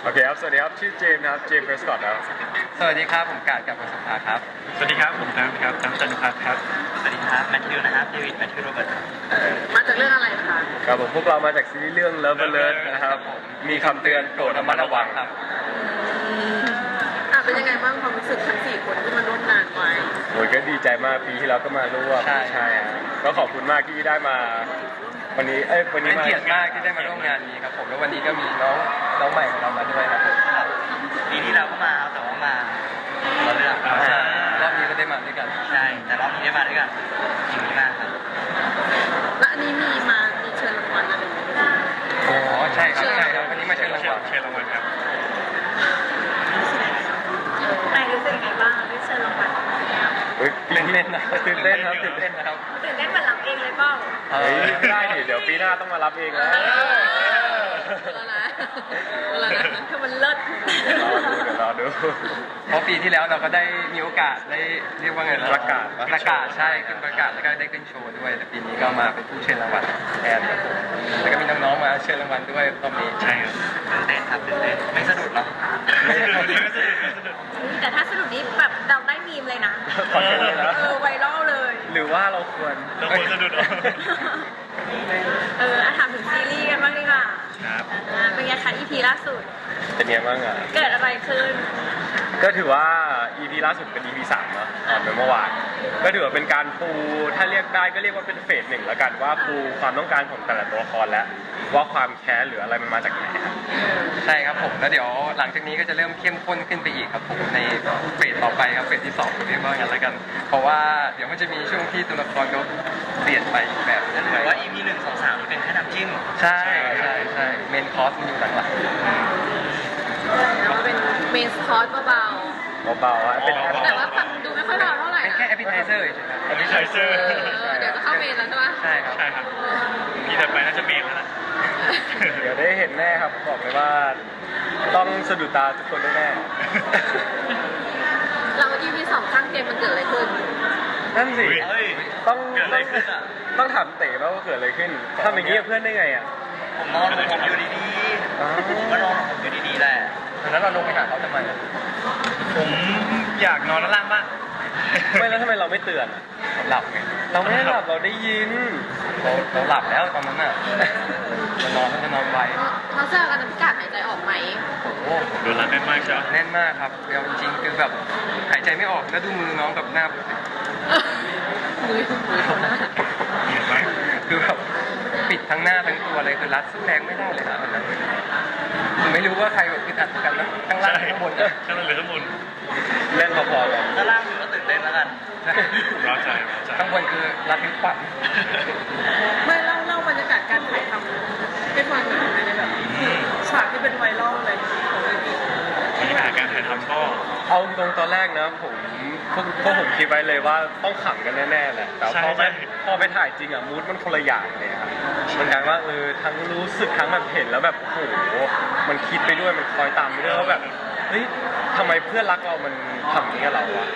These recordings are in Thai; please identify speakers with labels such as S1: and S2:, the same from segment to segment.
S1: โอเคครับสวัสดีครับชื่อเจมส์นะครับเจมส์เพรสคอตครับ
S2: สวัสดีครับผมกาดกับประสบการณ์ครับ
S3: สวัสดีครับผมครับจันทพัฒน์ครับ
S4: สวัสดีครับแมทธิวนะครับเดวิดแมทธิวโรเบิร์ต
S5: มาจากเรื่องอะไรคะ
S1: ครับผมพวกเรามาจากซีรีส์เรื่อง Love Alert นะครับมีคำเตือนโปรดระมัดระวังครับ
S5: เป็นยังไงบ้างความรู้สึกทั้ง4 คนที่มาร่วมงานไว้
S1: โอ้ยก็ดีใจมากปีที่แล้วก็มาร่วมใช่ก็ขอบคุณมากที่ได้มาวันนี้วันนี้
S2: เป็นเกียรติมากที่ได้มาร่วมงานนี้ครับผมแล้ววันนี้ก็มีน้องใหม่ของเรามาด้วยครับ
S4: ปีที่เราก็มาแต่ว่ามาเราเลือก
S2: รอบนี้ก็ได้มาด้วยกัน
S4: ใช่แต่รอบนี้ได้มาด้วยกันยินดีมากครับ
S5: และอันนี้มีเชิญรางวัลอะไรไหม
S2: อ๋อใช่ครับวันนี้มาเชิญรางวัล
S3: ครับ
S5: นายรู้สึกยังไงบ้างได้เชิญรางวัล
S2: ตื่นเต้นนะ
S1: ตื่นเต้นครับ
S5: ตื่นเต้นเหมือนรับเองเลยเปล่า
S1: ได้ดิเดี๋ยวปีหน้าต้องมารับเองแล้ว
S5: คือมันเลิศ
S1: รอดู
S2: เพราะปีที่แล้วเราก็ได้มีโอกาสได้เรียกว่าไง
S1: ประกาศ
S2: ใช่ขึ้นประกาศแล้วก็ได้ขึ้นโชว์ด้วยแต่ปีนี้ก็มาเป็นผู้เชิญรางวัลแทนครับผมแล้วก็มีน้องๆมาเชิญรางวัลด้วยรอบนี้
S3: ใช่ครับ
S4: ตื่นเต้นครับตื่นเต้นไม่สะดุดหรอก
S5: แต่ถ้าสะดุดนี้แบบเราได้มีมเลยนะไวรัลเลย
S1: หรือว่าเราควร
S3: สะดุดหรอ
S5: ถามถึงซีรีส์กันบ้างดีกว่า
S3: ครับ
S5: เป็นไงคะ EP ล่าสุด
S1: เป็นไงบ้างอ่ะ
S5: เกิดอะไรขึ้น
S1: ก็ถือว่า EP ล่าสุดเป็น EP 3เนาะเป็นเมื่อวานก็ถือว่าเป็นการปูถ้าเรียกได้ก็เรียกว่าเป็นเฟส 1แล้วกันว่าปูความต้องการของแต่ละตัวละครแล้วว่าความแค้นหรืออะไรมันมาจากไหนครับ
S2: ใช่ครับผมแล้วเดี๋ยวหลังจากนี้ก็จะเริ่มเข้มข้นขึ้นไปอีกครับผมในเฟสต่อไปครับเฟสที่2เรียกว่างั้นแล้วกันเพราะว่าเดี๋ยวมันจะมีช่วงที่ตัวละครเขาเปลี่ยนไปแบบ
S4: นึงเลยว่า EP 1 2 3นี่เป็นแค่น้ำจิ้ม
S2: ใช่เมนคอร์สมันอยู่หลัง
S5: แล้วว่าเป็นเมนคอร์สเบา
S1: ๆเป็น
S5: แต่ว่าดูไม่ค่อยเบาเท่าไหร่
S2: เป็นแค่แอปเปิลไทเซอร์ใช่ไหม
S3: แอปเปิลไทเซอร์
S5: เดี๋ยวก็เข้าเมนแล้วใช่ไหม
S2: ใช่
S3: ครับพี่ถัดไปน่าจะเมนแล้วนะ
S1: เดี๋ยวได้เห็นแน่ครับบอกเลยว่าต้องสะดุดตาทุกคนแน่
S5: เรา EP 2ข้างเกมมันเกิดอะไรขึ้น
S1: นั่นสิต้องถามเต๋ว่าเกิดอะไรขึ้นทำอย่างนี้กับเพื่อนได้ไงอ่ะ
S4: ผมนอนผมอยู่ดีๆผมก็นอนผมอยู่ดีๆแหละ
S2: แล้วเราลงไปหาเขาทำไม
S3: ผมอยากนอนด้านล่างบ้าง
S1: ไม่แล้วทำไมเราไม่เตือน
S2: หลับไง
S1: เราไม่ได้หลับเราได้ยิน
S2: เราหลับแล้วตอนนั้นน่ะจะนอนไว
S5: เขาเจอกันพิการหายใจออกไหม
S2: โอ้โห
S3: โดนรัดแน่นมากใช่ไหม
S2: แน่นมากครับเดี๋ยวจริงคือแบบหายใจไม่ออกแล้วดูมือน้องกับหน้า
S5: มือเขาหน้า
S2: คือแบบปิดทั้งหน้าทั้งตัวเลยคือรัดสู้แรงไม่ได้เลยนะตอนนั้นผมไม่รู้ว่าใครแบบอึดอัดกันนะข้างล่างข้างบน
S3: ข้างล่างหรือข้างบน
S1: เล่นพอๆกัน
S4: ข้างล่างคือก็ตื่นเต้นแล้วกัน
S3: ร้อนใจ
S2: ข้างบนคือรัดนิ้วปั่น
S5: ไม่เล่าบรรยากาศการถ่ายทำให้ฟังหน่อยในแบบฉากที่เป็นไวรัลเลยของเรื่อง
S3: บรรยากาศการถ่ายทำก็
S1: เอาตอนแรกนะผมคิดไว้เลยว่าต้องขำกันแน่ๆแหละแต่พอไปถ่ายจริงอ่ะมูดมันคนละอย่างเลยครับมันกลายว่าทั้งรู้สึกทั้งแบบเห็นแล้วแบบโอ้โหมันคิดไปด้วยมันคอยตามไปด้วยว่าแบบเฮ้ยทำไมเพื่อนรักเรามันทำอย่างนี้กับเราอะ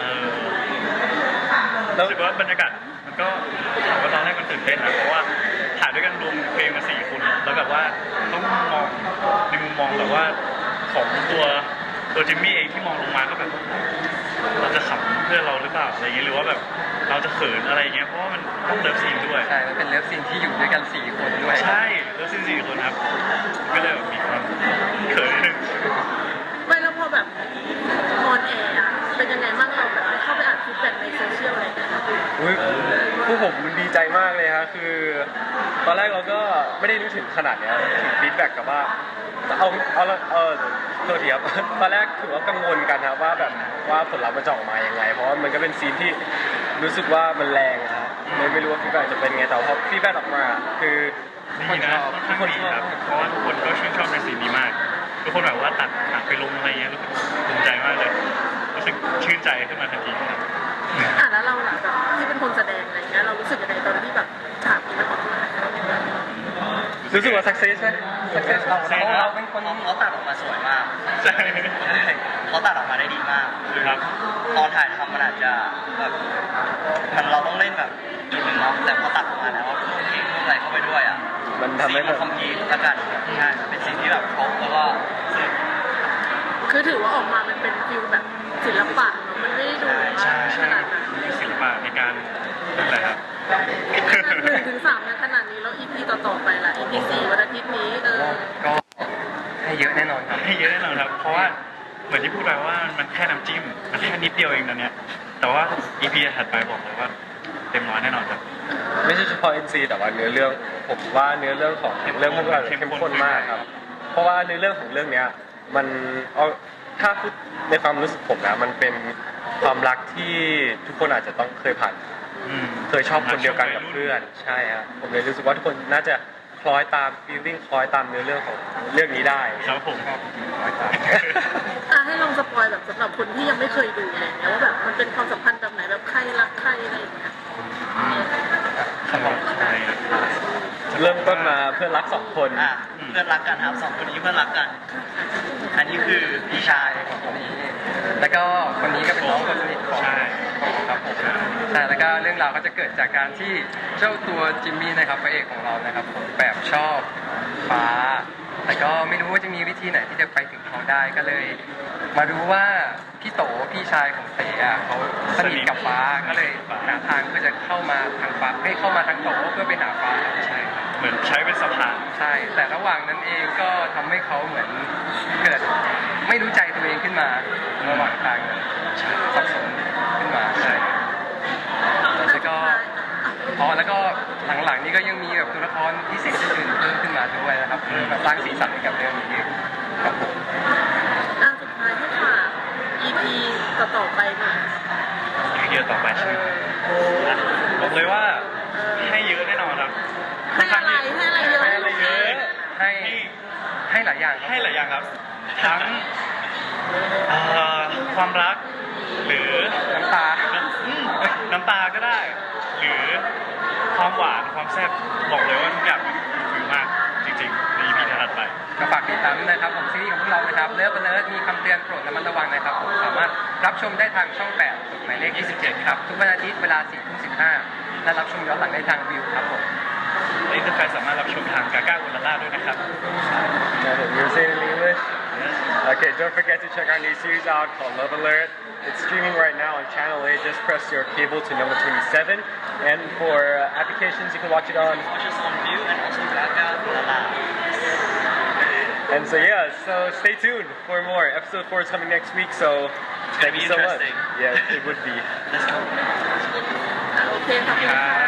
S3: รู้สึกว่าบรรยากาศมันก็ถามว่าตอนแรกมันตื่นเต้นนะเพราะว่าถ่ายด้วยกันรวมเพลงมา4 คนแล้วแบบว่าต้องมองในมุมมองแบบว่าของตัวจิมมี่เองที่มองลงมาก็แบบเราจะขำเพื่อนเราหรือเปล่าอะไรเงี้ยหรือว่าแบบเราจะเขินอะไรเงี้ยเพราะว่ามันต้องเลิฟซีนด้วย
S2: ใช่มันเป็นเลิฟซีนที่อยู่ด้วยกัน4 คนด้วย
S3: ใช่เลิฟซีน4 คนครับก็เลยแบบมีความเขินนิดนึง
S5: ไม่แล้วพอแบบออนแอร์เป็นยังไงบ้างเราแบบเข้าไปอ่านฟีดแบ็กในโซเชียลอะไรอย่างเงี้ย
S1: ผู้ผมดีใจมากเลยครับคือตอนแรกเราก็ไม่ได้นึกถึงขนาดนี้ถึงฟีดแบ็กกับว่าตัวเดียบตอนแรกถือว่ากังวลกันครับว่าแบบว่าผลลัพธ์มันจะออกมายังไงเพราะว่ามันก็เป็นซีนที่รู้สึกว่ามันแรงครับเลยไม่รู้ว่าฟีดแบ็กจะเป็นไงแต่พอฟีดแบ็กออกมาคือ
S3: ทุกคนชอบเพราะว่าทุกคนก็ชื่นชอบในซีนนี้มากทุกคนแบบว่าตัดไปลงอะไรเงี้ยรู้สึกภูมิใจมากเลยรู้สึกชื่นใจขึ้นมาทันทีครับ
S5: แล้วเราแบบที่เป็นคนแสดงอะไรเงี้ยเรารู้สึกยังไงตอนที่แบบฉากนี้มันออกมา
S1: รู้สึกว่าสักเซสไหมสักเซสเรา
S4: เป็นคนเขาตัดออกมาสวยมาก
S3: ใช่
S4: เขาตัดออกมาได้ดีมาก
S3: ครับ
S4: ตอนถ่ายทำมันอาจจะแบบมันเราต้องเล่นแบบอีกหนึ่งเนาะแต่พอตัดออกมาแล้วเพิ่มเพลงเพิ่มอะไรเข้าไปด้วยอ่ะ
S1: มันทำให้
S4: มันคอมพลีทละกันใช่เป็นสิ่งที่แบบครบแล้วก็
S5: คือถือว่าออกมามันเป็นฟิลแบบศิลปะเนาะมันไม่ได้ดู
S3: ใช่ใช่
S5: ขนาดนั้น
S3: มีศิลปะในการนั่นแหละครับ
S5: 1 ถึง 3ในขนาดนี้แล้ว EP ต่อๆไปล่ะ EP 4วันอาทิตย์นี้
S2: ก็ให้เยอะแน่นอนครับ
S3: ให้เยอะแน่นอนครับ เพราะว่าเหมือนที่พูดไปว่ามันแค่น้ำจิ้ม มันแค่นิดเดียวเองตอนเนี้ย แต่ว่า EP ถัดไปบอกเลยว่าเต็มร้อยแน่นอนครับ
S1: ไม่ใช่เฉพาะ NC แต่ว่าเนื้อเรื่องผมว่าเนื้อเรื่องของเรื่องพวกเราเข้มข้นมากครับ เพราะว่าเนื้อเรื่องของเรื่องเนี้ยมันเอาถ้าพูดในความรู้สึกผมนะมันเป็นความรักที่ทุกคนอาจจะต้องเคยผ่าน เคยชอบคนเดียวกันกับเพื่อนใช่ฮะผมเลยรู้สึกว่าทุกคนน่าจะคล้อยตามฟีลลิ่งคล้อยตามเนื้อเรื่องของเรื่องนี้ได้
S3: ครับผม
S5: ให้ลองสปอยแบบสำหรับคนที่ยังไม่เคยดูอะไรอย่างเงี้ยว่าแบบมันเป็นความสัมพันธ์แบบไหนแบบใครรักใครอะไรอย่างเงี้ย
S3: ใช่ครับ
S1: เริ่มต้นมาเพื่อนรักสองคน
S4: เพื่อนรักกันครับสองคนนี้เพื่อนรักกัน อันนี้คือพี่ชาย
S2: คนนี้ แล้วก็คนนี้ก็เป็นน้องคนสนิทของ
S3: ใช่
S2: ครับผมใช่แล้วก็เรื่องราวก็จะเกิดจากการที่เจ้าตัวจิมมี่นะครับพระเอกของเรานะครับผมแบบชอบฟ้า แต่ก็ไม่รู้ว่าจะมีวิธีไหนที่จะไปถึงเขาได้ก็เลย มารู้ว่าพี่โตพี่ชายของเต๋อะเขาสนิทกับฟ้าก็เลยหาทางเพื่อจะเข้ามาทางฟ้าไม่เข้ามาทางโตเพื่อไปหาฟ้าใช่ครับ
S3: เหมือนใช้เป็นสะพาน
S2: ใช่ แต่ระหว่างนั้นเองก็ทำให้เขาเหมือนเกิดไม่รู้ใจตัวเองขึ้นมาระหว่างทางนั้นสับสนขึ้นมาใช่แล้วก็แล้วก็หลังๆนี้ก็ยังมีแบบตัวละครพิเศษอื่นๆเพิ่มขึ้นมาด้วยนะครับเพื่อมาสร้างสีสันให้กับเรื่องนี้ครับผม
S5: สุดท้ายให้ฝาก EP ต่อๆไปหน่อย
S3: เยอะต่อไปใช่ไหมบอกเลยว่าให้เยอะแน่นอนครับ
S5: ให้อะไรให้อะไรเยอะ
S3: ให้อะไรเยอะ
S2: ให้หลายอย่างครับ
S3: ให้หลายอย่างครับ ทั้งความรัก หรือ
S2: น้ำตา
S3: น้ำตาก็ได้ หรือความหวานความแซ่บบอกเลยว่าทุกอย่างมันฟิลมากจริงๆใน EP ถัดไป
S2: ก็ฝากติดตามด้วยนะครับผมซีรีส์ของพวกเรานะครับเลิฟเลิฟมีคำเตือนโปรดระมัดระวังนะครับผมสามารถรับชมได้ทางช่อง 8กฎหมายเลข 27 ครับ ทุกวันอาทิตย์เวลา 4:15 และรับชมย้อนหลังได้ทางวิวครับผม
S3: และอินเตอร์แฟนสามารถรับชมทางกาก้าอุลล่าด้วยนะครับ
S1: You're saying in English? Okay, don't forget to check our new series out called Love Alert. It's streaming right now on Channel 8. Just press your cable to number 27. And for applications, you can watch it on.
S4: Watch us on View and also Gaga Ulala.
S1: And so yeah, so stay tuned for more. Episode 4 is coming next week, so
S4: It's
S1: thank
S4: gonna
S1: you
S4: be
S1: so much.
S4: interesting.
S1: Yeah, it would be.
S4: Let's go.
S5: โอเคขอบคุณค่ะ